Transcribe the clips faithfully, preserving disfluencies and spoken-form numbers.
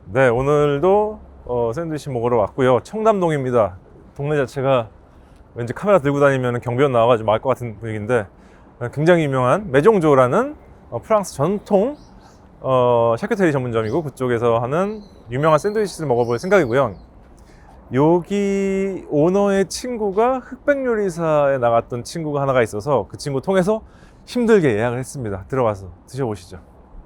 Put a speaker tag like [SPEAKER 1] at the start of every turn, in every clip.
[SPEAKER 1] 네, 오늘도 어, 샌드위치 먹으러 왔고요. 청담동입니다. 동네 자체가 왠지 카메라 들고 다니면 경비원 나와가지고 말 것 같은 분위기인데 굉장히 유명한 메종조라는 어, 프랑스 전통 어, 샤크테리 전문점이고 그쪽에서 하는 유명한 샌드위치를 먹어볼 생각이고요. 여기 오너의 친구가 흑백요리사에 나갔던 친구가 하나가 있어서 그 친구 통해서 힘들게 예약을 했습니다. 들어가서 드셔보시죠.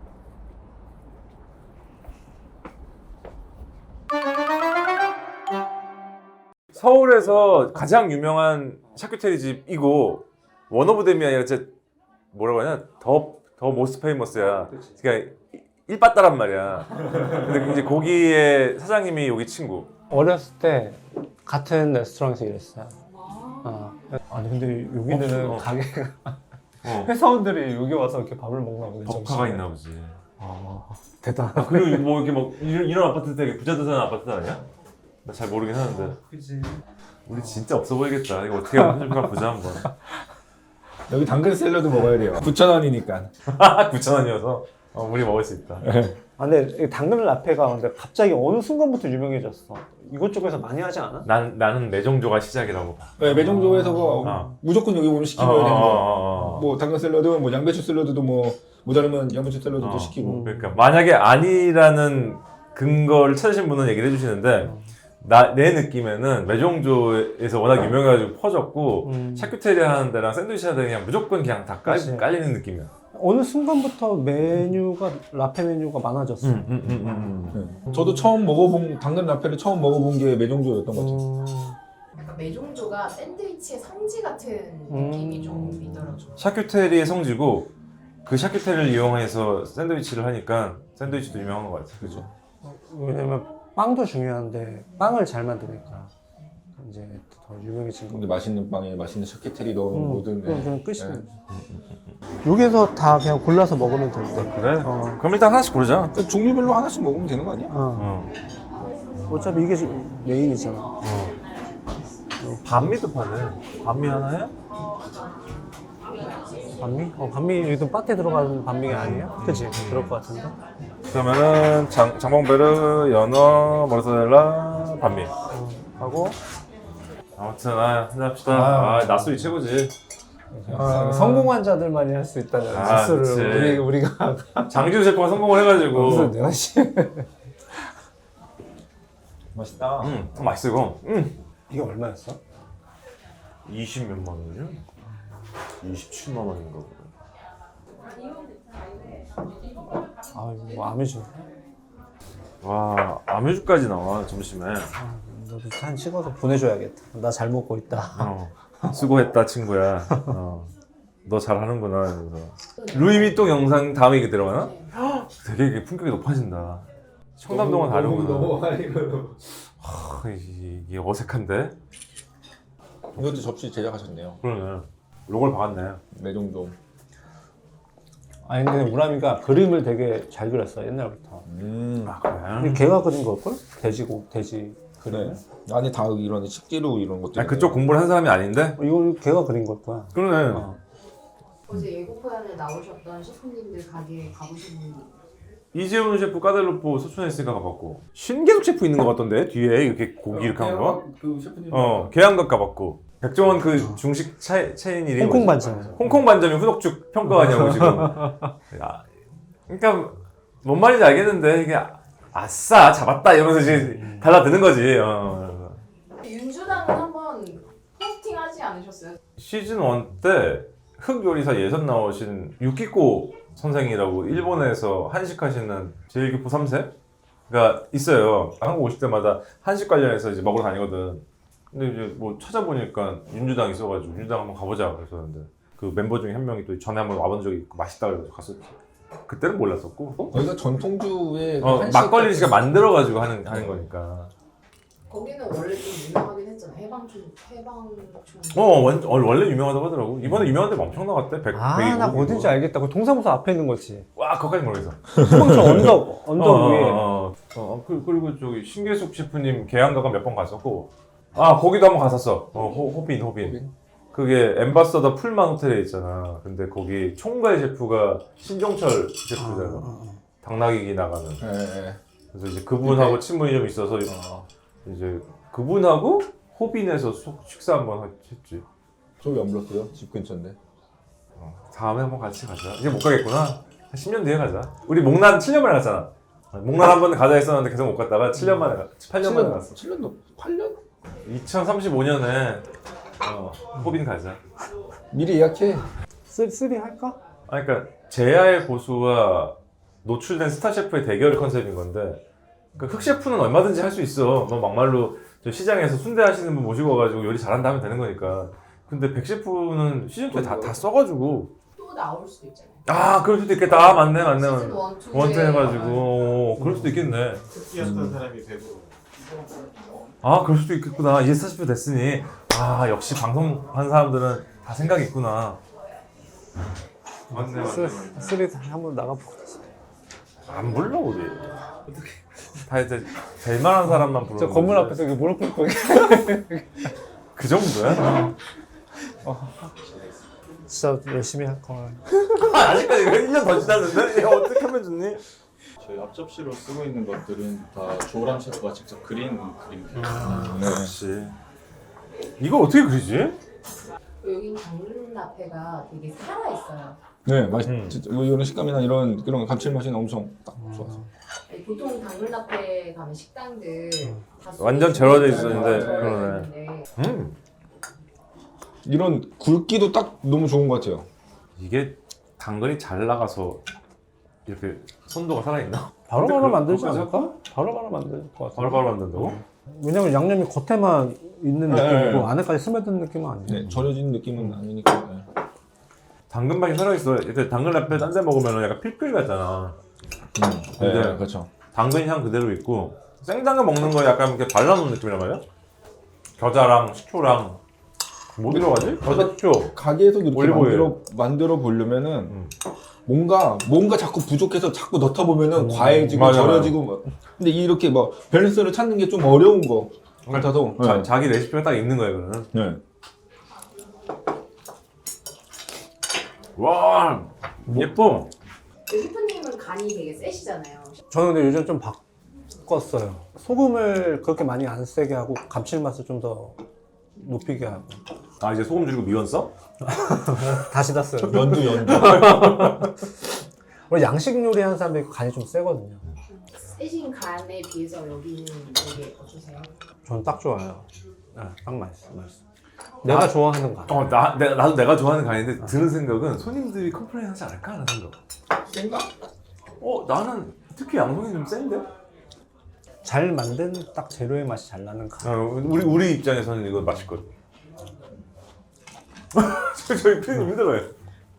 [SPEAKER 1] 서울에서 가장 유명한 샤크테리 집이고 원 오브 댐이 아니라 진짜 뭐라고 하냐 더, 더 모스트 페이머스야. 그러니까 일빠따란 말이야. 근데 이제 거기에 사장님이 여기 친구.
[SPEAKER 2] 어렸을 때 같은 레스토랑에서 일했어요. 어. 아니 근데 여기는
[SPEAKER 1] 어, 어.
[SPEAKER 2] 가게가
[SPEAKER 1] 어.
[SPEAKER 2] 회사원들이 여기 와서 이렇게 밥을 먹나 보네.
[SPEAKER 1] 덕화가
[SPEAKER 2] 점심에.
[SPEAKER 1] 있나 보지.
[SPEAKER 2] 아, 대단하다.
[SPEAKER 1] 그리고 뭐 이렇게 막 이런, 이런 아파트 되게 부자들 사는 아파트 아니야? 나 잘 모르긴 하는데.
[SPEAKER 2] 그지.
[SPEAKER 1] 우리 진짜 없어 보이겠다. 이거 어떻게 편집가 보자 한번.
[SPEAKER 3] 여기 당근 샐러드 먹어야 돼요. 구천 원이니까.
[SPEAKER 1] 구천 원이어서 어, 우리 먹을 수 있다.
[SPEAKER 2] 아, 근데 이 당근 라페가 근데 갑자기 어느 순간부터 유명해졌어. 이것저것에서 많이 하지 않아?
[SPEAKER 1] 난 나는 매종조가 시작이라고 봐.
[SPEAKER 3] 네, 매정조에서
[SPEAKER 1] 어.
[SPEAKER 3] 무조건 여기 오면
[SPEAKER 1] 어,
[SPEAKER 3] 시키면 되는 거.
[SPEAKER 1] 어, 어.
[SPEAKER 3] 뭐 당근 샐러드, 뭐 양배추 샐러드도 뭐 모자르면 양배추 샐러드도
[SPEAKER 1] 어.
[SPEAKER 3] 시키고.
[SPEAKER 1] 그러니까 만약에 아니라는 근거를 찾으신 분은 얘기를 해주시는데 나 내 느낌에는 매종조에서 워낙 유명해가지고 퍼졌고
[SPEAKER 2] 음.
[SPEAKER 1] 샤큐테리 하는 데랑 샌드위치 하는 데 그냥 무조건 그냥 다 깔,
[SPEAKER 2] 그치.
[SPEAKER 1] 깔리는 느낌이야.
[SPEAKER 2] 어느 순간부터 메뉴가 라페 메뉴가 많아졌어.
[SPEAKER 1] 음, 음, 음, 음.
[SPEAKER 3] 네. 저도 처음 먹어본 당근 라페를 처음 먹어본 게 매정조였던 거죠.
[SPEAKER 2] 음.
[SPEAKER 4] 약간 매종조가 샌드위치의 성지 같은
[SPEAKER 2] 음.
[SPEAKER 4] 느낌이 좀 있더라고요.
[SPEAKER 1] 샤큐테리의 성지고 그 샤큐테리를 이용해서 샌드위치를 하니까 샌드위치도 유명한 것 같아. 그죠?
[SPEAKER 2] 왜냐면 빵도 중요한데 빵을 잘 만드니까 이제 더 유명해진 거.
[SPEAKER 3] 근데 맛있는 빵에 맛있는 샤케테리 넣으면
[SPEAKER 2] 음,
[SPEAKER 3] 뭐든.
[SPEAKER 2] 그럼
[SPEAKER 3] 네.
[SPEAKER 2] 그냥 끝이네.
[SPEAKER 3] 네.
[SPEAKER 2] 여기서 다 그냥 골라서 먹으면 되는데.
[SPEAKER 1] 그래?
[SPEAKER 2] 어.
[SPEAKER 1] 그럼 일단 하나씩 고르자.
[SPEAKER 3] 그러니까 종류별로 하나씩 먹으면 되는 거 아니야?
[SPEAKER 2] 어.
[SPEAKER 1] 어.
[SPEAKER 2] 어차피 이게 메인이잖아.
[SPEAKER 1] 반미도 파네. 반미 하나 해?
[SPEAKER 2] 반미? 어, 반미 여기도 바테 들어가는 반미가 아니에요? 그치? 그럴 것 같은데.
[SPEAKER 1] 그러면은 장, 장봉베르, 연어, 모르사렐라, 반미 하고 아무튼 아 한잔합시다. 아,
[SPEAKER 3] 아,
[SPEAKER 1] 낮술이 최고지.
[SPEAKER 2] 아, 성공한 자들만이 할 수 있다는
[SPEAKER 1] 아,
[SPEAKER 2] 지수를
[SPEAKER 1] 그치.
[SPEAKER 2] 우리, 우리가
[SPEAKER 1] 장지우 셰프가 성공을 해가지고
[SPEAKER 2] 무슨 내가 씨
[SPEAKER 3] 맛있다.
[SPEAKER 1] 음, 더 맛있어 이거. 음.
[SPEAKER 2] 이게 얼마였어?
[SPEAKER 1] 이십 몇만 원이요? 이십칠만 원인가 보네.
[SPEAKER 2] 아 이거 뭐 아메주.
[SPEAKER 1] 와, 아메주까지 나와 점심에.
[SPEAKER 2] 너도 한 찍어서 보내줘야겠다. 나 잘 먹고 있다.
[SPEAKER 1] 어, 수고했다 친구야. 어, 너 잘하는구나. 그래서 루이비통 영상 다음에 이게 들어가나? 헉, 되게 이게 품격이 높아진다. 청담동은 다르구나.
[SPEAKER 3] 넘어가니까.
[SPEAKER 1] 하, 이- 이게 어색한데?
[SPEAKER 3] 이것도 접시 제작하셨네요.
[SPEAKER 1] 그러네. 로고를 박았네.
[SPEAKER 3] 매정조.
[SPEAKER 2] 아니 근데 우람이가 그림을 되게 잘 그렸어 옛날부터.
[SPEAKER 3] 음.
[SPEAKER 1] 아 그래?
[SPEAKER 2] 이게 걔가 그린 걸걸? 돼지고 돼지 그림.
[SPEAKER 3] 네. 안에 다 이런 식재료 이런 것들.
[SPEAKER 1] 아니, 그쪽 공부를 한 사람이 아닌데?
[SPEAKER 2] 어, 이거 걔가 그린 걸 거야.
[SPEAKER 1] 그러네.
[SPEAKER 2] 어.
[SPEAKER 4] 어제 예고편에 나오셨던 셰프님들 가게에 가보신 분이
[SPEAKER 1] 이재훈 셰프 까델로포 소천했으니까 가봤고 신계숙 셰프 있는 것 같던데? 뒤에 이렇게 고기 이렇게 한 거?
[SPEAKER 3] 그 셰프님.
[SPEAKER 1] 어, 계양각 가봤고 백종원 그 중식 차, 체인 이름이
[SPEAKER 2] 홍콩
[SPEAKER 1] 뭐지?
[SPEAKER 2] 반찬.
[SPEAKER 1] 홍콩 반점이 후덕죽 평가하냐고 지금. 야, 그러니까 뭔 말인지 알겠는데 이게 아싸 잡았다 이러면서 이제 달라드는 거지. 어.
[SPEAKER 4] 윤주당은 한번 포스팅하지 않으셨어요?
[SPEAKER 1] 시즌 일 때 흑요리사 예선 나오신 유키코 선생이라고 일본에서 한식 하시는 제일교포 삼 세가 있어요. 한국 오실 때마다 한식 관련해서 이제 먹으러 다니거든. 근데 이제 뭐 찾아보니까 윤주당 있어가지고 윤주당 한번 가보자 그랬었는데 그 멤버 중에 한 명이 또 전에 한번 와본 적이 있고 맛있다 그래서 갔었지. 그때는 몰랐었고.
[SPEAKER 3] 거기가 전통주의
[SPEAKER 1] 어,
[SPEAKER 3] 한식
[SPEAKER 1] 막걸리
[SPEAKER 3] 같은-
[SPEAKER 1] 씨가 만들어가지고 하는 하는 거니까.
[SPEAKER 4] 거기는 원래 좀 유명하긴 했잖아. 해방촌, 해방촌.
[SPEAKER 1] 어, 원, 어, 원래 유명하다고 하더라고. 이번에 유명한 데가 엄청 나갔대. 백,
[SPEAKER 2] 아나
[SPEAKER 1] 백이고.
[SPEAKER 2] 어딘지 알겠다. 그 동사무소 앞에 있는 거지.
[SPEAKER 1] 와, 그거까지 모르겠어.
[SPEAKER 2] 소방청 언덕 언덕
[SPEAKER 1] 어,
[SPEAKER 2] 위에.
[SPEAKER 1] 어, 어, 어, 그, 그리고 저기 신계숙 셰프님 계양가가 몇 번 갔었고, 아 거기도 한번 갔었어. 어, 호, 호빈, 호빈.
[SPEAKER 3] 호빈?
[SPEAKER 1] 그게 엠바서더 풀만 호텔에 있잖아. 근데 거기 총괄 셰프가 신종철 셰프잖아.
[SPEAKER 2] 어, 어, 어.
[SPEAKER 1] 당나귀기 나가는.
[SPEAKER 3] 예, 예.
[SPEAKER 1] 그래서 이제 그분하고
[SPEAKER 3] 네.
[SPEAKER 1] 친분이 좀 있어서
[SPEAKER 3] 아,
[SPEAKER 1] 이제 그분하고 호빈에서 속- 식사 한번 했지.
[SPEAKER 3] 저기 안 불렀어요? 집 근처인데.
[SPEAKER 1] 어, 다음에 한번 같이 가자. 이제 못 가겠구나. 한 십 년 뒤에 가자. 우리 목란 칠 년 만에 갔잖아. 목란 한 번 가자 했었는데 계속 못 갔다가 칠 년 만에 가, 팔 년 만에 갔어.
[SPEAKER 3] 칠 년도 팔 년?
[SPEAKER 1] 이천삼십오 년에 어, 호빈 가자.
[SPEAKER 3] 미리 예약해.
[SPEAKER 2] 쓰, 쓰리 할까?
[SPEAKER 1] 아, 그러니까 제야의 고수와 노출된 스타 셰프의 대결 컨셉인 건데, 그러니까 흑 셰프는 얼마든지 할 수 있어. 뭐 막말로 저 시장에서 순대 하시는 분 모시고 와가지고 요리 잘한다 하면 되는 거니까. 근데 백 셰프는 시즌 이에 다, 다 써가지고
[SPEAKER 4] 또 나올 수도 있잖아요.
[SPEAKER 1] 아 그럴 수도 있겠다. 아 맞네 맞네
[SPEAKER 4] 시즌
[SPEAKER 1] 맞네.
[SPEAKER 4] 원, 투
[SPEAKER 1] 원투 해가지고 어, 그럴 수도 있겠네.
[SPEAKER 5] 특기였던 사람이 되고
[SPEAKER 1] 아 그럴 수도 있겠구나. 이제 스타 셰프 됐으니 아 역시 방송한 사람들은 다 생각이 있구나. 맞네 맞네.
[SPEAKER 2] 쓰,
[SPEAKER 1] 맞네.
[SPEAKER 2] 쓰리 한번 나가보고.
[SPEAKER 1] 안 불러 우리. 어떻게? 다 이제 될 만한 사람만 불러.
[SPEAKER 2] 저 건물 앞에서 이렇게 무릎 꿇고
[SPEAKER 1] 그 정도야?
[SPEAKER 2] 진짜 열심히 할 걸.
[SPEAKER 1] 아, 아직까지 일 년 더 지났는데? 야, 어떻게 하면 좋니?
[SPEAKER 5] 저희 앞접시로 쓰고 있는 것들은 다 조람 셰프가 직접 그린 그림이에요.
[SPEAKER 3] 네.
[SPEAKER 1] 역시. 이걸 어떻게 그리지?
[SPEAKER 4] 여기 당근 라페가 되게 살아있어요.
[SPEAKER 3] 네, 맛
[SPEAKER 1] 음.
[SPEAKER 3] 진짜 이런 식감이나 이런 그런 감칠맛이 엄청 딱 좋아서.
[SPEAKER 4] 아니, 보통 당근 라페 가면 식당들 다
[SPEAKER 1] 완전
[SPEAKER 4] 소스
[SPEAKER 1] 절여져
[SPEAKER 4] 소스
[SPEAKER 1] 있었는데,
[SPEAKER 4] 절여져
[SPEAKER 1] 그러네.
[SPEAKER 4] 있는데
[SPEAKER 1] 음.
[SPEAKER 3] 이런 굵기도 딱 너무 좋은 것 같아요.
[SPEAKER 1] 이게 당근이 잘 나가서 이렇게 손도가 살아있나?
[SPEAKER 2] 바로바로
[SPEAKER 1] 근데 그-
[SPEAKER 2] 만들지
[SPEAKER 1] 그거까지
[SPEAKER 2] 않을까? 바로바로 만들 것 같아.
[SPEAKER 1] 바로바로 만든다고?
[SPEAKER 2] 왜냐면 양념이 겉에만 있는
[SPEAKER 3] 네,
[SPEAKER 2] 느낌이고
[SPEAKER 3] 네.
[SPEAKER 2] 안에까지 스며드는 느낌은 아니야.
[SPEAKER 3] 네, 절여진 느낌은 아니니까. 네.
[SPEAKER 1] 당근맛이 살아있어. 이렇게 당근 라페 딴 데 먹으면 약간 필필 같잖아.
[SPEAKER 3] 음, 네,
[SPEAKER 1] 근데-
[SPEAKER 3] 그렇죠.
[SPEAKER 1] 당근 향 그대로 있고 생당근 먹는 거 약간 이렇게 발라놓은 느낌이란 말이야? 겨자랑 식초랑 뭐 들어가지? 겨자 식초.
[SPEAKER 3] 가게에서 이렇게
[SPEAKER 1] 올리브오일.
[SPEAKER 3] 만들어 만들어 보려면은
[SPEAKER 1] 음.
[SPEAKER 3] 뭔가 뭔가 자꾸 부족해서 자꾸 넣다 보면은 과해지고
[SPEAKER 1] 맞아,
[SPEAKER 3] 절여지고 막. 근데 이렇게 뭐 밸런스를 찾는 게 좀 어려운 거 같아서.
[SPEAKER 1] 자,
[SPEAKER 3] 네.
[SPEAKER 1] 자기 레시피가 딱 있는 거야 그거는.
[SPEAKER 3] 네.
[SPEAKER 1] 와 예뻐.
[SPEAKER 4] 셰프님은 간이 되게 세시잖아요.
[SPEAKER 2] 저는 근데 요즘 좀 바꿨어요. 소금을 그렇게 많이 안 세게 하고 감칠맛을 좀 더 높이게 하고.
[SPEAKER 1] 아 이제 소금 줄이고 미원 써?
[SPEAKER 2] 다시 땄어요.
[SPEAKER 3] 연두 연두.
[SPEAKER 2] 원래 양식 요리 하는 사람들이 간이 좀 세거든요.
[SPEAKER 4] 세신 간에 비해서 여기는 되게 어떠세요?
[SPEAKER 2] 저는 딱 좋아요. 네, 딱 맛있어, 맛있어. 내가
[SPEAKER 1] 나-
[SPEAKER 2] 좋아하는 간.
[SPEAKER 1] 어, 나, 내, 나도 내가 좋아하는 간인데 드는 생각은 손님들이 컴플레인 하지 않을까 하는 생각.
[SPEAKER 3] 센가?
[SPEAKER 1] 어, 나는 특히 양송이 좀 센데?
[SPEAKER 2] 잘 만든 딱 재료의 맛이 잘 나는 간.
[SPEAKER 1] 어, 우리, 우리 입장에서는 이거 맛있거든. 저희, 저희 피디님 힘들어요.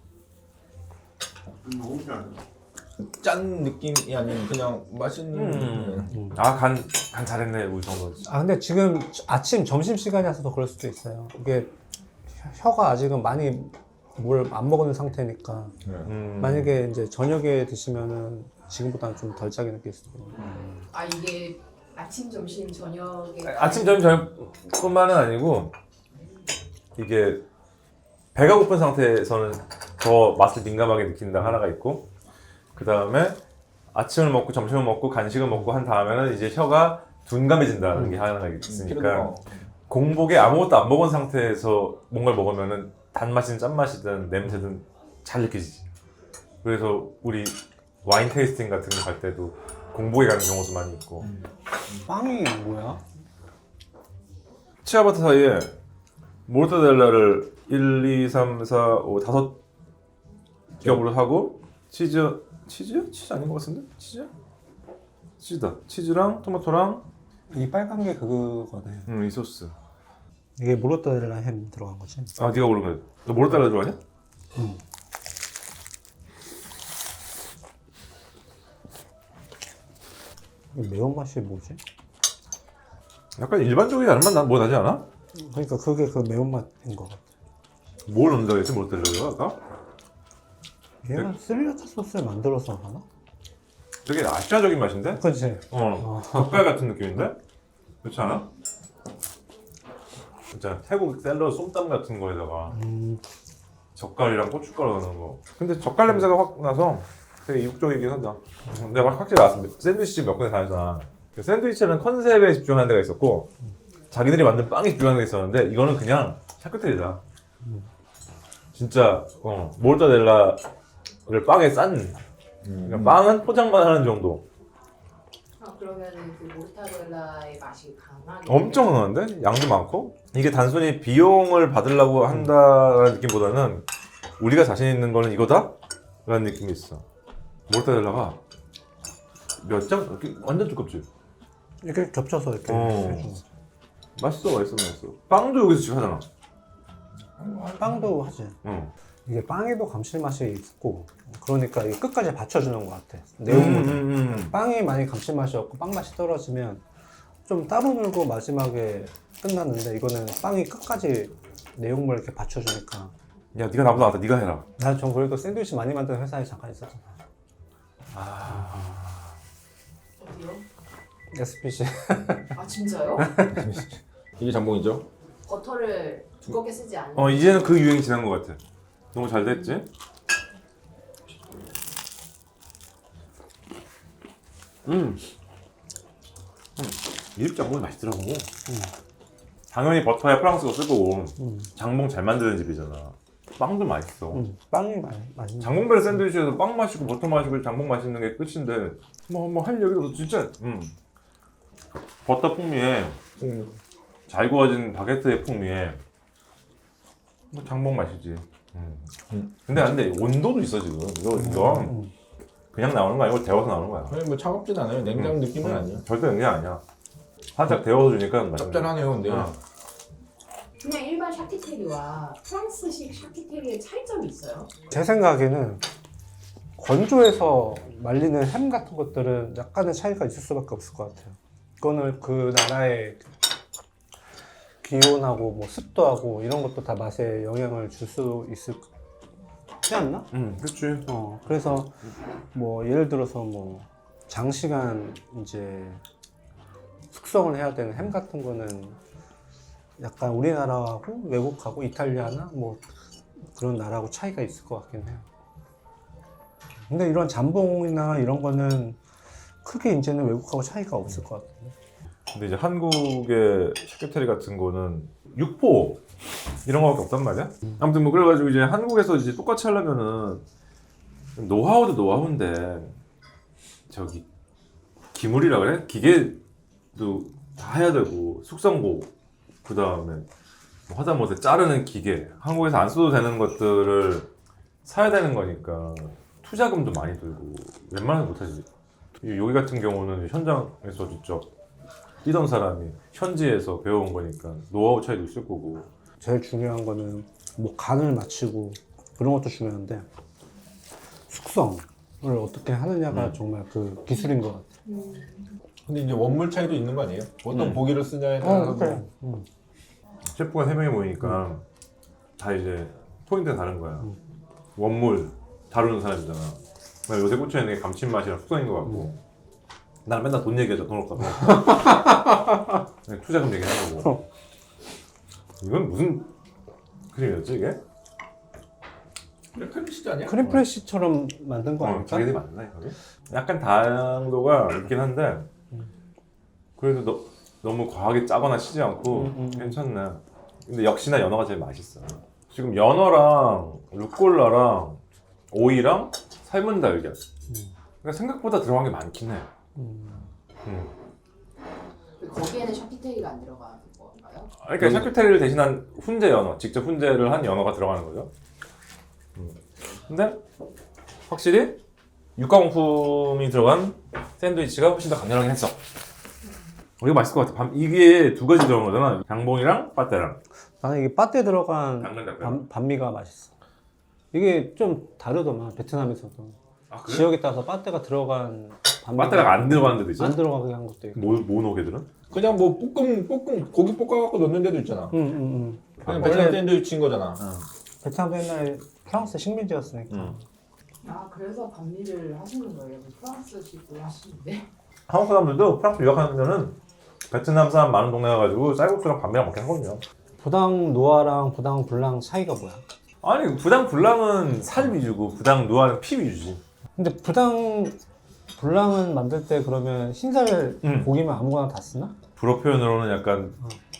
[SPEAKER 3] 짠 느낌이 아닌 그냥 맛있는.
[SPEAKER 1] 음. 아, 간, 간 잘했네, 우리 정도.
[SPEAKER 2] 아 근데 지금 아침 점심 시간이라서 더 그럴 수도 있어요. 이게 혀가 아직은 많이 뭘 안 먹은 상태니까
[SPEAKER 3] 네.
[SPEAKER 1] 음.
[SPEAKER 2] 만약에 이제 저녁에 드시면은 지금보다는 좀 덜 짜게 느낄 수도 있어요.
[SPEAKER 4] 아 이게 아침, 점심, 저녁에
[SPEAKER 1] 아침, 점심, 저녁뿐만은 아니고, 이게 배가 고픈 상태에서는 더 맛을 민감하게 느낀다 하나가 있고, 그 다음에 아침을 먹고 점심을 먹고 간식을 먹고 한 다음에는 이제 혀가 둔감해진다는 게 하나가 있으니까 공복에 아무것도 안 먹은 상태에서 뭔가를 먹으면은 단맛이든 짠맛이든 냄새든 잘 느껴지지. 그래서 우리 와인 테이스팅 같은 거 갈 때도 공복에 가는 경우도 많이 있고.
[SPEAKER 2] 빵이 뭐야?
[SPEAKER 1] 치아바타 사이에 모르타델라를 일, 이, 삼, 사, 오, 다섯 겹으로 하고 치즈, 치즈야? 치즈 아닌 것 같은데? 치즈야? 치즈다. 치즈랑 토마토랑
[SPEAKER 2] 이 빨간 게 그거네.
[SPEAKER 1] 음, 이 소스.
[SPEAKER 2] 이게 모르타델라 햄 들어간 거지?
[SPEAKER 1] 아, 네가 모르는 거야. 너 모르타델라 좋아하냐?
[SPEAKER 2] 응. 이 매운맛이 뭐지?
[SPEAKER 1] 약간 일반적인 다른 맛 뭐 나지 않아?
[SPEAKER 2] 그러니까 그게 그 매운맛인 것 같아.
[SPEAKER 1] 뭘 넣는다고 했지 모르타델라가 아까?
[SPEAKER 2] 얘가 스리라차 소스를 만들어서 하나?
[SPEAKER 1] 되게 아시아적인 맛인데?
[SPEAKER 2] 그치?
[SPEAKER 1] 어, 젓갈 같은 느낌인데? 그렇지 않아? 진짜 태국 샐러드 솜땀 같은 거에다가
[SPEAKER 2] 음,
[SPEAKER 1] 젓갈이랑 고춧가루 넣는 거. 근데 젓갈 냄새가 확 나서 되게 이국적이긴 하다. 근데 확실히 나왔습니다. 샌드위치 집 몇 군데 다녔잖아. 그 샌드위치는 컨셉에 집중하는 데가 있었고 자기들이 만든 빵에 집중하는 데가 있었는데 이거는 그냥 샤크테리다. 진짜 어, 모르타델라를 빵에 싼 그러니까 빵은 포장만 하는 정도.
[SPEAKER 4] 아 그러면은 그 모르타델라의 맛이 강하게
[SPEAKER 1] 엄청 강한데? 양도 많고? 이게 단순히 비용을 받으려고 한다라는 느낌보다는 우리가 자신 있는 거는 이거다? 라는 느낌이 있어. 모르타델라가 몇 장? 이렇게 완전 두껍지?
[SPEAKER 2] 이렇게 겹쳐서 이렇게
[SPEAKER 1] 어.
[SPEAKER 2] 해주는.
[SPEAKER 1] 맛있어 맛있어 맛있어. 빵도 여기서 지금 하잖아.
[SPEAKER 2] 빵도 하지.
[SPEAKER 1] 응.
[SPEAKER 2] 이게 빵에도 감칠맛이 있고 그러니까 이게 끝까지 받쳐주는 것 같아.
[SPEAKER 1] 음,
[SPEAKER 2] 내용물을.
[SPEAKER 1] 음, 음.
[SPEAKER 2] 빵이 많이 감칠맛이 없고 빵 맛이 떨어지면 좀 따로 놀고 마지막에 끝났는데 이거는 빵이 끝까지 내용물을 이렇게 받쳐주니까.
[SPEAKER 1] 야 네가 나보다 낫다. 네가 해라.
[SPEAKER 2] 난 전 그래도 샌드위치 많이 만드는 회사에 잠깐 있었잖아.
[SPEAKER 4] 어디요?
[SPEAKER 2] 에스피씨.
[SPEAKER 4] 아 진짜요?
[SPEAKER 3] 이게 잠봉이죠?
[SPEAKER 4] 버터를 두껍게 쓰지 않는
[SPEAKER 1] 어 이제는 그 유행이 지난 것 같아. 너무 잘 됐지? 음. 음. 이집 장봉이 맛있더라고. 당연히 버터에 프랑스어 쓸 거고
[SPEAKER 2] 음.
[SPEAKER 1] 장봉 잘 만드는 집이잖아. 빵도 맛있어.
[SPEAKER 2] 음, 빵이 많이 맛있는.
[SPEAKER 1] 장봉벨 샌드위치에서 빵 마시고 버터 마시고 장봉 마시는 게 끝인데 뭐 뭐 할 얘기도 없어 진짜. 음. 버터 풍미에
[SPEAKER 3] 음.
[SPEAKER 1] 잘 구워진 바게트의 풍미에 뭐 장봉 맛이지. 음.
[SPEAKER 3] 음.
[SPEAKER 1] 근데 안돼 온도도 있어 지금. 이거 이거
[SPEAKER 2] 음.
[SPEAKER 1] 그냥 나오는 거 아니고 데워서 나오는 거야.
[SPEAKER 3] 아니 뭐 차갑진 않아요. 냉장
[SPEAKER 1] 음.
[SPEAKER 3] 느낌은
[SPEAKER 1] 음.
[SPEAKER 3] 아니에요.
[SPEAKER 1] 절대 그냥 아니야. 살짝 데워서 주니까 맛있는 거야.
[SPEAKER 3] 짭짤하네요, 근데.
[SPEAKER 1] 음.
[SPEAKER 4] 그냥 일반 샤키테리와 프랑스식 샤키테리의 차이점이 있어요?
[SPEAKER 2] 제 생각에는 건조해서 말리는 햄 같은 것들은 약간의 차이가 있을 수밖에 없을 것 같아요. 그거는 그 나라의 기온하고 뭐 습도하고 이런 것도 다 맛에 영향을 줄 수 있지 않나?
[SPEAKER 1] 음, 그렇지.
[SPEAKER 2] 어, 그래서 뭐 예를 들어서 뭐 장시간 이제 숙성을 해야 되는 햄 같은 거는 약간 우리나라하고 외국하고 이탈리아나 뭐 그런 나라하고 차이가 있을 것 같긴 해요. 근데 이런 잠봉이나 이런 거는 크게 이제는 외국하고 차이가 없을 것 같아요.
[SPEAKER 1] 근데 이제 한국의 샤크테리 같은 거는 육포 이런 거밖에 없단 말이야. 아무튼 뭐 그래가지고 이제 한국에서 이제 똑같이 하려면은 노하우도 노하우인데 저기 기물이라 그래? 기계도 다 해야 되고 숙성고 그 다음에 하다못해 자르는 기계 한국에서 안 써도 되는 것들을 사야 되는 거니까 투자금도 많이 들고 웬만하면 못하지. 여기 같은 경우는 현장에서 직접 뛰던 사람이 현지에서 배워온 거니까 노하우 차이도 있을 거고.
[SPEAKER 2] 제일 중요한 거는 뭐 간을 맞추고 그런 것도 중요한데 숙성을 어떻게 하느냐가
[SPEAKER 1] 음.
[SPEAKER 2] 정말 그 기술인 것 같아요.
[SPEAKER 4] 음.
[SPEAKER 3] 근데 이제 원물 차이도 있는 거 아니에요? 어떤
[SPEAKER 1] 음.
[SPEAKER 3] 고기를 쓰냐에 따라서.
[SPEAKER 2] 음.
[SPEAKER 1] 셰프가 세 명이 모이니까 다 이제 포인트가 다른 거야. 원물 다루는 사람이잖아. 나 요새 꽂혀 있는 게 감칠맛이랑 숙성인 것 같고. 나는 맨날 돈 얘기하자. 돈 없다. 돈 없다. 그냥 투자금 얘기하고. 이건 무슨 크림이었지 이게?
[SPEAKER 3] 크림치즈 아니야?
[SPEAKER 2] 크림 프레시처럼 만든 거
[SPEAKER 1] 어,
[SPEAKER 2] 아닐까?
[SPEAKER 1] 자기들이 맞나 이거? 약간 당도가 있긴 한데 그래도 너, 너무 과하게 짜거나 시지 않고
[SPEAKER 2] 음, 음, 음.
[SPEAKER 1] 괜찮네. 근데 역시나 연어가 제일 맛있어. 지금 연어랑 루꼴라랑 오이랑 삶은 달걀. 그러니까 생각보다 들어간 게 많긴 해.
[SPEAKER 2] 음.
[SPEAKER 1] 음.
[SPEAKER 4] 거기에는 샤키테리가 안 들어가는 건가요?
[SPEAKER 1] 그러니까 샤크테리를 대신한 훈제 연어, 직접 훈제를 한 연어가 들어가는 거죠. 음. 근데 확실히 육가공품이 들어간 샌드위치가 훨씬 더 강렬하긴 했어. 이거 맛있을 것 같아. 반- 이게 두 가지 들어간 거잖아. 장봉이랑 빠떼랑.
[SPEAKER 2] 나는 이게 빠떼 들어간
[SPEAKER 1] 당근 닭발.
[SPEAKER 2] 반, 반미가 맛있어. 이게 좀 다르더만 베트남에서도
[SPEAKER 1] 아 그래?
[SPEAKER 2] 지역에 따라서 빠떼가 들어간 반미가
[SPEAKER 1] 빠떼가 안 들어가는 데도 있어?
[SPEAKER 2] 안 들어가게 한 것도 있고.
[SPEAKER 1] 뭐, 뭐 넣게들은?
[SPEAKER 3] 그냥 뭐 볶음 볶음 고기 볶아갖고 넣는 데도 있잖아.
[SPEAKER 2] 응, 응, 응.
[SPEAKER 3] 그냥
[SPEAKER 2] 아,
[SPEAKER 3] 베트남
[SPEAKER 2] 원래
[SPEAKER 3] 샌드위치인 거잖아.
[SPEAKER 2] 베트남도 옛날에 프랑스 식민지였으니까.
[SPEAKER 1] 응.
[SPEAKER 4] 아 그래서 반미를 하시는 거예요? 프랑스식으로 하시는데?
[SPEAKER 1] 한국 사람들도 프랑스 유학하면은 베트남 사람 많은 동네 가가지고 쌀국수랑 반미랑 먹긴 하거든요.
[SPEAKER 2] 부당 노아랑 부당 블랑 차이가 뭐야?
[SPEAKER 1] 아니 부당 불량은 살 위주고 부당 누아는 피 위주지.
[SPEAKER 2] 근데 부당 불량은 만들 때 그러면 흰살
[SPEAKER 1] 음.
[SPEAKER 2] 고기만 아무거나 다 쓰나?
[SPEAKER 1] 불어 표현으로는 약간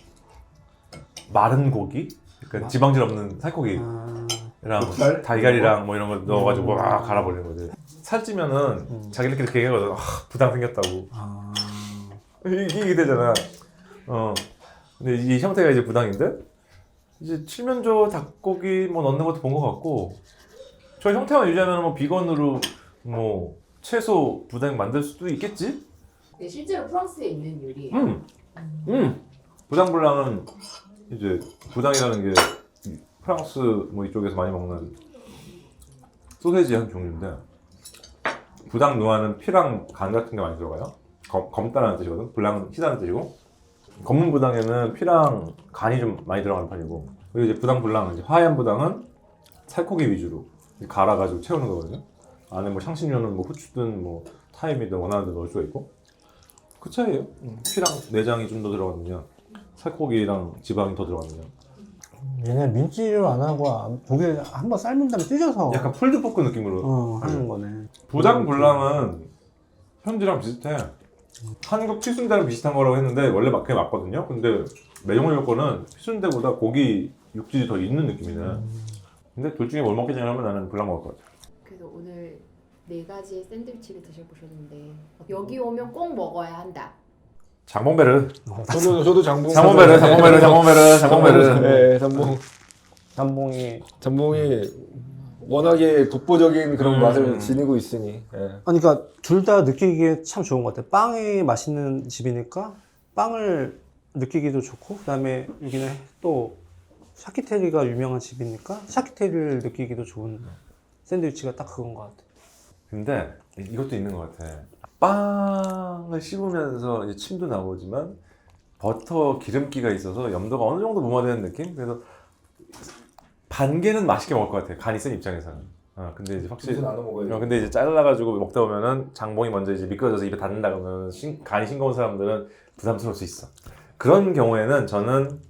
[SPEAKER 1] 마른 고기? 약간 지방질 없는 살코기랑
[SPEAKER 2] 아,
[SPEAKER 3] 목살?
[SPEAKER 1] 달걀이랑 뭐 이런 거 넣어가지고
[SPEAKER 2] 음.
[SPEAKER 1] 와 갈아버리는 거지. 살찌면은
[SPEAKER 2] 음.
[SPEAKER 1] 자기들끼리 이렇게 얘기하거든. 아, 부당 생겼다고.
[SPEAKER 2] 아,
[SPEAKER 1] 이게 이게 되잖아. 어. 근데 이 형태가 이제 부당인데 이제 칠면조 닭고기 뭐 넣는 것도 본 것 같고 저 형태만 유지하면 뭐 비건으로 뭐 채소 부당 만들 수도 있겠지?
[SPEAKER 4] 네, 실제로 프랑스에 있는 요리예요.
[SPEAKER 1] 음. 음. 부당불량은 이제 부당이라는 게 프랑스 뭐 이쪽에서 많이 먹는 소세지 한 종류인데 부당 누아는 피랑 간 같은 게 많이 들어가요. 검, 검다라는 뜻이거든. 불량은 희다는 뜻이고 검은 부당에는 피랑 간이 좀 많이 들어가는 편이고 그리고 이제 부당 불량은 이제 하얀 부당은 살코기 위주로 갈아가지고 채우는 거거든요. 안에 뭐 향신료는 뭐 후추든 뭐 타임이든 원하는 데 넣을 수가 있고 그 차이에요. 피랑 내장이 좀 더 들어가느냐 살코기랑 지방이 더 들어가느냐
[SPEAKER 2] 얘네 민지를 안 하고 아, 고기를 한번 삶은 다음에 찢어서
[SPEAKER 1] 약간 풀드포크 느낌으로
[SPEAKER 2] 어, 하는 거네.
[SPEAKER 1] 부당 불량은 현지랑 비슷해. 한국 피순대랑 비슷한 거라고 했는데 원래 맞게 맞거든요. 근데 매정을 거는 피순대보다 고기 육질이 더 있는 느낌이네. 근데 둘 중에 뭘 먹겠냐 하면 나는 불량 먹을 것 같아.
[SPEAKER 4] 그래서 오늘 네 가지의 샌드위치를 드셔보셨는데 여기 오면 꼭 먹어야 한다.
[SPEAKER 1] 장봉베르.
[SPEAKER 3] 저도 저도 장봉.
[SPEAKER 1] 장봉베르, 장봉베르, 장봉베르, 장봉베르.
[SPEAKER 3] 네, 장봉.
[SPEAKER 2] 남봉이
[SPEAKER 3] 장봉이 워낙에 독보적인 그런
[SPEAKER 1] 음.
[SPEAKER 3] 맛을 지니고 있으니. 예.
[SPEAKER 2] 아니 그러니까 둘 다 느끼기에 참 좋은 것 같아. 빵이 맛있는 집이니까 빵을 느끼기도 좋고 그다음에 여기는 또 샤키테리가 유명한 집이니까 샤키테리를 느끼기도 좋은 샌드위치가 딱 그건 것 같아.
[SPEAKER 1] 근데 이것도 있는 것 같아. 빵을 씹으면서 이제 침도 나오지만 버터 기름기가 있어서 염도가 어느 정도 무마되는 느낌? 그래서 반 개는 맛있게 먹을 것 같아. 간이 센 입장에서는. 어, 근데 이제 확실히
[SPEAKER 3] 둘이서 나눠 먹어야지.
[SPEAKER 1] 어, 근데 이제 잘라가지고 먹다 보면은 장봉이 먼저 이제 미끄러져서 입에 닿는다 그러면 신, 간이 싱거운 사람들은 부담스러울 수 있어. 그런 경우에는 저는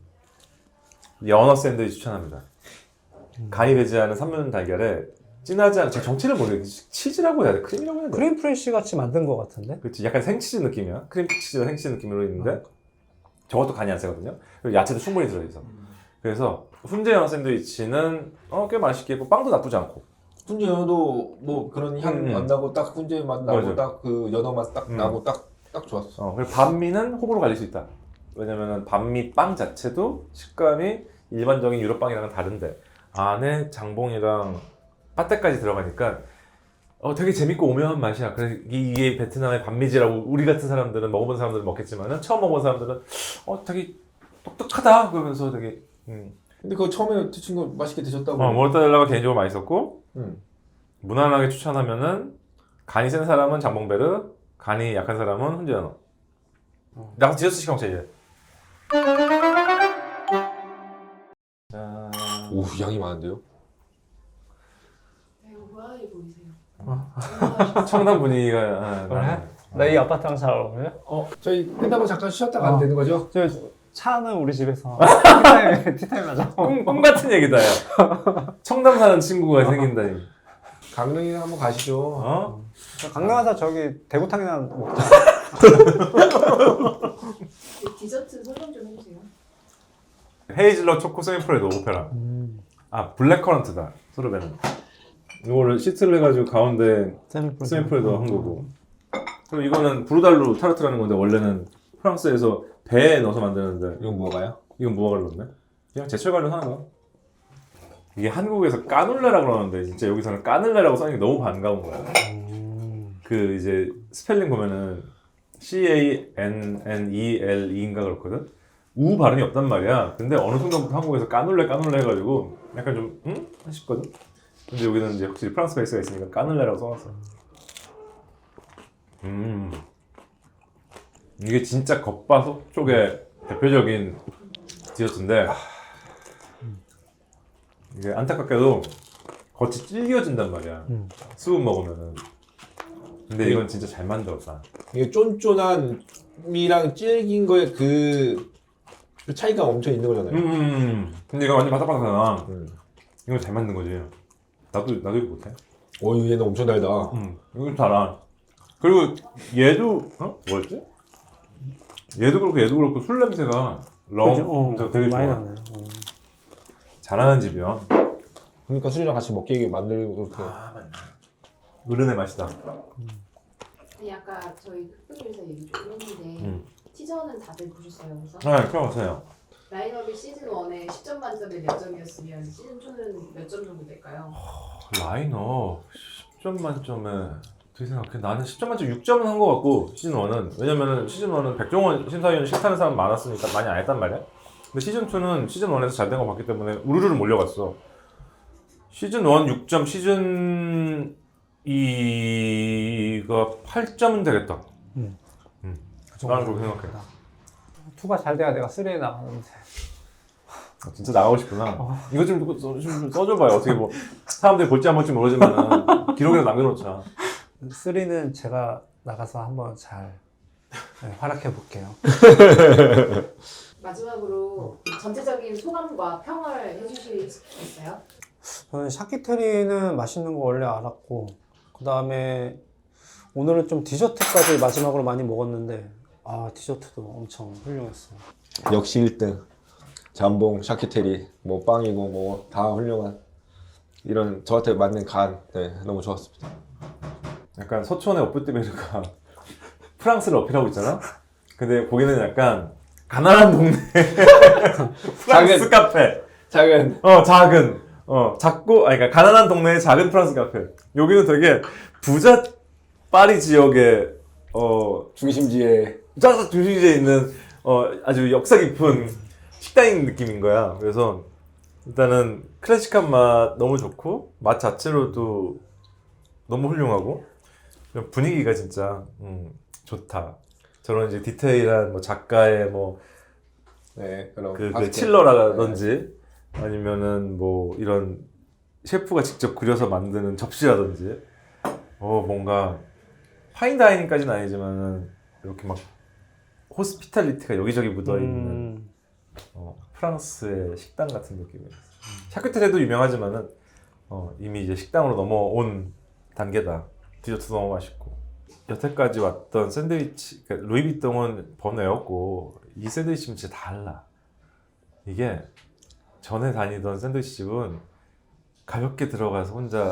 [SPEAKER 1] 연어 샌드위치 추천합니다. 간이 배지 않은 삼면 달걀에 진하지 않은 제 정체를 모르겠지. 치즈라고 해야 돼? 크림이라고 해야 돼?
[SPEAKER 2] 크림 프레쉬 같이 만든 것 같은데?
[SPEAKER 1] 그렇지. 약간 생치즈 느낌이야. 크림 치즈나 생치즈 느낌으로 있는데 저것도 간이 안 세거든요. 그리고 야채도 충분히 들어있어. 그래서 훈제 연어 샌드위치는 어, 꽤 맛있게 했고 빵도 나쁘지 않고.
[SPEAKER 3] 훈제 연어도 뭐 그런 향
[SPEAKER 1] 음.
[SPEAKER 3] 안 나고 딱 훈제 맛 나고
[SPEAKER 1] 맞아.
[SPEAKER 3] 딱 그 연어 맛 딱
[SPEAKER 1] 음.
[SPEAKER 3] 나고 딱 딱 좋았어.
[SPEAKER 1] 어, 그리고 반미는 호불호 갈릴 수 있다. 왜냐면은 반미 빵 자체도 식감이 일반적인 유럽 빵이랑은 다른데 안에 장봉이랑 파테까지 들어가니까 어, 되게 재밌고 오묘한 맛이야. 그래서 이게 베트남의 반미지라고 우리 같은 사람들은 먹어본 사람들은 먹겠지만은 처음 먹어본 사람들은 어 되게 똑똑하다 그러면서 되게 음.
[SPEAKER 3] 근데 그거 처음에 드신 거 맛있게 드셨다고.
[SPEAKER 1] 어, 모르타델라가 개인적으로 맛있었고
[SPEAKER 3] 음.
[SPEAKER 1] 무난하게 추천하면은 간이 센 사람은 장봉베르, 간이 약한 사람은 훈제 연어. 나 디저트 시간 이제. 자,
[SPEAKER 3] 오 양이 많은데요?
[SPEAKER 4] 이거 고양이 보이세요?
[SPEAKER 1] 청담 분위기가 아,
[SPEAKER 2] 그래?
[SPEAKER 1] 나는.
[SPEAKER 2] 나 이 아파트랑 잘 어울려?
[SPEAKER 3] 어 저희 끝나고 잠깐 쉬었다 가면
[SPEAKER 2] 어.
[SPEAKER 3] 되는 거죠?
[SPEAKER 2] 저 차는 우리 집에서 티타임, 티타임 하자.
[SPEAKER 1] 꿈, 꿈 같은 얘기다 야. 청담 사는 친구가 생긴다니.
[SPEAKER 3] 강릉이나 한번 가시죠.
[SPEAKER 1] 어?
[SPEAKER 2] 강릉 가서 저기 대구탕이나 먹자.
[SPEAKER 4] 디저트 설명 좀 해주세요.
[SPEAKER 1] 헤이즐넛 초코 세미프레도 오페라. 아 블랙커런트다 소르베는. 이거를 시트를 해가지고 가운데 세미프레도 한 거고. 그리고 이거는 브루달루 타르트라는 건데 원래는 프랑스에서 배에 넣어서 만드는데
[SPEAKER 3] 이건 뭐가요?
[SPEAKER 1] 이건 무화과를 넣네? 그냥 제철 관련 하는 거야. 이게 한국에서 까눌레라 그러는데 진짜 여기서는 까눌레라고 써있는 게 너무 반가운 거야. 그 이제 스펠링 보면은 C A N N E L E인가 그렇거든? 우 발음이 없단 말이야. 근데 어느 순간부터 한국에서 까눌레 까눌레 해가지고 약간 좀 응? 싶거든? 근데 여기는 이제 확실히 프랑스 베이스가 있으니까 까눌레라고 써놨어. 음 이게 진짜 겉바속 쪽의 대표적인 디저트인데 이게 안타깝게도 겉이 질겨진단 말이야.
[SPEAKER 2] 음.
[SPEAKER 1] 수분 먹으면은. 근데 이건 진짜 잘 만들었다.
[SPEAKER 3] 이게 쫀쫀한미랑 질긴 거에 그, 그 차이가 엄청 있는 거잖아요.
[SPEAKER 1] 음. 근데 이거 완전 바삭바삭하잖아.
[SPEAKER 3] 음.
[SPEAKER 1] 이건 잘 만든 거지. 나도 나도 이거 못해.
[SPEAKER 3] 오, 얘는 엄청 달다.
[SPEAKER 1] 음, 이거 달아. 그리고 얘도 어? 뭐였지? 얘도 그렇고 얘도 그렇고 술 냄새가 럼
[SPEAKER 2] 그죠? 어,
[SPEAKER 1] 되게
[SPEAKER 2] 많이
[SPEAKER 1] 좋아.
[SPEAKER 2] 나네. 어.
[SPEAKER 1] 잘하는 집이야.
[SPEAKER 3] 그러니까 술이랑 같이 먹게 만들고 그렇게.
[SPEAKER 1] 아 맞네. 어른의 맛이다.
[SPEAKER 4] 아니 아까 저희 흑백요리사 얘기 좀 했는데
[SPEAKER 1] 음.
[SPEAKER 4] 티저는 다들 보셨어요? 그래서
[SPEAKER 1] 네, 펴보세요.
[SPEAKER 4] 라인업이 시즌 일에 십 점 만점에 몇 점이었으면 시즌 이는 몇 점 정도 될까요?
[SPEAKER 1] 라인업 십 점 만점에 어떻게 생각해? 나는 십 점 만점 육 점은 한 것 같고 시즌 일은 왜냐면은 시즌 일은 백종원 심사위원 싫다는 사람 많았으니까 많이 안 했단 말이야. 근데 시즌 이는 시즌 일에서 잘 된 거 봤기 때문에 우르르 몰려갔어. 시즌 일 육 점, 시즌 이가 팔 점은 되겠다.
[SPEAKER 2] 음.
[SPEAKER 1] 음.
[SPEAKER 2] 그
[SPEAKER 1] 나는
[SPEAKER 2] 정도.
[SPEAKER 1] 그렇게 생각해.
[SPEAKER 2] 투가 잘 돼야 내가 쓰리에 나가는데.
[SPEAKER 1] 아, 진짜 나가고 싶구나. 이거 좀, 써- 좀 써줘봐요. 어떻게 뭐 사람들이 볼지 안 볼지 모르지만 기록이라도 남겨놓자.
[SPEAKER 2] 쓰리는 제가 나가서 한번 잘 네, 활약해 볼게요.
[SPEAKER 4] 마지막으로 전체적인 소감과 평을 해주실 수 있어요?
[SPEAKER 2] 저는 샤키테리는 맛있는 거 원래 알았고, 그 다음에 오늘은 좀 디저트까지 마지막으로 많이 먹었는데, 아 디저트도 엄청 훌륭했어요.
[SPEAKER 3] 역시 일 등. 잠봉, 샤키테리, 뭐 빵이고 뭐 다 훌륭한 이런 저한테 맞는 간. 네, 너무 좋았습니다.
[SPEAKER 1] 약간 서촌의 오프티베르가 프랑스를 어필하고 있잖아? 근데 거기는 약간 가난한 동네 프랑스
[SPEAKER 3] 작은-
[SPEAKER 1] 카페.
[SPEAKER 3] 작은
[SPEAKER 1] 어, 작은. 어, 작고, 아니, 그러니까 가난한 동네의 작은 프랑스 카페. 여기는 되게 부자 파리 지역의, 어,
[SPEAKER 3] 중심지에
[SPEAKER 1] 쫙 중심지에 있는, 어, 아주 역사 깊은 식당인 느낌인 거야. 그래서 일단은 클래식한 맛 너무 좋고, 맛 자체로도 너무 훌륭하고, 분위기가 진짜, 음, 좋다. 저런 이제 디테일한 뭐 작가의 뭐,
[SPEAKER 3] 네, 그럼
[SPEAKER 1] 그, 그
[SPEAKER 3] 바스켓.
[SPEAKER 1] 칠러라든지 아니면은 뭐 이런 셰프가 직접 그려서 만드는 접시라든지 어 뭔가 파인다이닝까지는 아니지만은 이렇게 막 호스피탈리티가 여기저기 묻어있는
[SPEAKER 2] 음,
[SPEAKER 1] 어, 프랑스의 식당 같은 느낌이었어. 샤크테레도 유명하지만은 어, 이미 이제 식당으로 넘어온 단계다. 디저트도 너무 맛있고 여태까지 왔던 샌드위치 그러니까 루이비통은 번외였고 이 샌드위치는 진짜 달라. 이게 전에 다니던 샌드위치 집은 가볍게 들어가서 혼자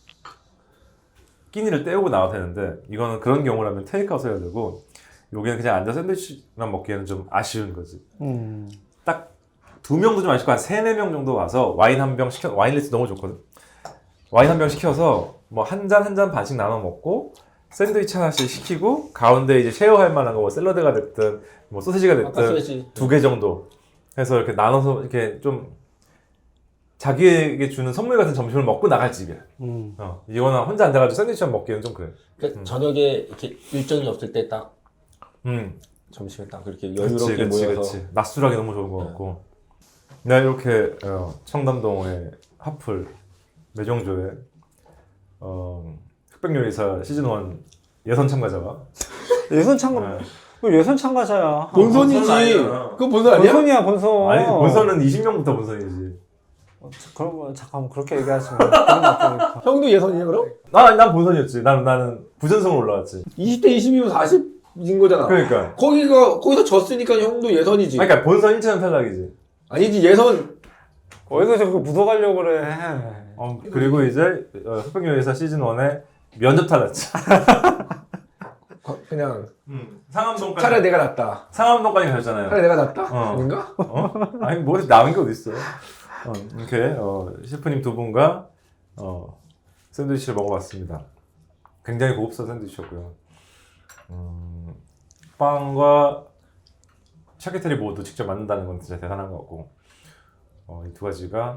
[SPEAKER 1] 끼니를 때우고 나와도 되는데 이거는 그런 경우라면 테이크아웃 해야 되고 여기는 그냥 앉아 샌드위치만 먹기에는 좀 아쉬운 거지.
[SPEAKER 2] 음,
[SPEAKER 1] 딱 두 명도 좀 아쉽고 한 세네 명 정도 와서 와인 한 병 시켜 와인 리스트 너무 좋거든. 와인 한 병 시켜서 뭐 한 잔 한 잔 반씩 나눠 먹고 샌드위치 하나씩 시키고 가운데 이제 쉐어할 만한 거 뭐 샐러드가 됐든 뭐 소시지가
[SPEAKER 3] 아까
[SPEAKER 1] 됐든
[SPEAKER 3] 소시지.
[SPEAKER 1] 두 개 정도 해서 이렇게 나눠서 이렇게 좀 자기에게 주는 선물 같은 점심을 먹고 나갈 집이야.
[SPEAKER 2] 음.
[SPEAKER 1] 어, 이거나 혼자 앉아가지고 샌드위치만 먹기는 좀 그래.
[SPEAKER 3] 그러니까
[SPEAKER 1] 음.
[SPEAKER 3] 저녁에 이렇게 일정이 없을 때 딱
[SPEAKER 1] 음,
[SPEAKER 3] 점심에 딱 그렇게
[SPEAKER 1] 그치,
[SPEAKER 3] 여유롭게
[SPEAKER 1] 그치,
[SPEAKER 3] 모여서
[SPEAKER 1] 그치. 낮술하기 너무 좋은 것 같고. 네, 이렇게 어, 청담동의 하플 매정조의 어, 흑백요리사 시즌 일 예선 참가자와
[SPEAKER 2] 예선 참가,
[SPEAKER 1] 네.
[SPEAKER 2] 그 예선 참가자야.
[SPEAKER 3] 본선이지.
[SPEAKER 1] 본선 아니잖아.
[SPEAKER 3] 그거 본선 아니야?
[SPEAKER 2] 본선이야, 본선.
[SPEAKER 1] 아니 본선은 이십 명부터 본선이지.
[SPEAKER 2] 어, 자, 그런 거 잠깐만 그렇게 얘기하지 마. 그런 거 같으니까.
[SPEAKER 3] 형도 예선이야 그럼?
[SPEAKER 1] 나, 난 본선이었지. 나는 나는 부전승으로 올라왔지.
[SPEAKER 3] 이십 대 이십이면 사십인 거잖아.
[SPEAKER 1] 그러니까.
[SPEAKER 3] 거기가 거기서 졌으니까 형도 예선이지.
[SPEAKER 1] 아니, 그러니까 본선 일 차는 탈락이지.
[SPEAKER 3] 아니지 예선.
[SPEAKER 2] 어디서 자꾸 묻어가려고 그래.
[SPEAKER 1] 어, 그리고 이제 어, 흑백요리사 시즌 일에 면접 탈락지.
[SPEAKER 3] 거- 그냥
[SPEAKER 1] 음, 상암동까지.
[SPEAKER 3] 차라리 내가 낫다.
[SPEAKER 1] 상암동까지 가셨잖아요.
[SPEAKER 3] 차라리 내가 낫다.
[SPEAKER 1] 어.
[SPEAKER 3] 아닌가?
[SPEAKER 1] 어? 아니 뭐 남은 게 어디 있어? 어, 이렇게 어, 셰프님 두 분과 어, 샌드위치를 먹어봤습니다. 굉장히 고급스러운 샌드위치였고요. 음, 빵과 샤케테리 모두 직접 만든다는 건 진짜 대단한 것 같고 어, 이 두 가지가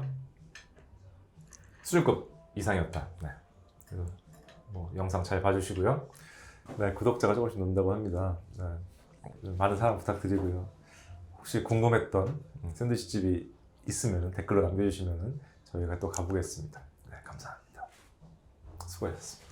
[SPEAKER 1] 수준급 이상이었다. 네. 그래서 뭐 영상 잘 봐주시고요. 네, 구독자가 조금씩 는다고 합니다. 네. 많은 사랑 부탁드리고요. 혹시 궁금했던 샌드위치 집이 있으면 댓글로 남겨주시면 저희가 또 가보겠습니다. 네, 감사합니다. 수고하셨습니다.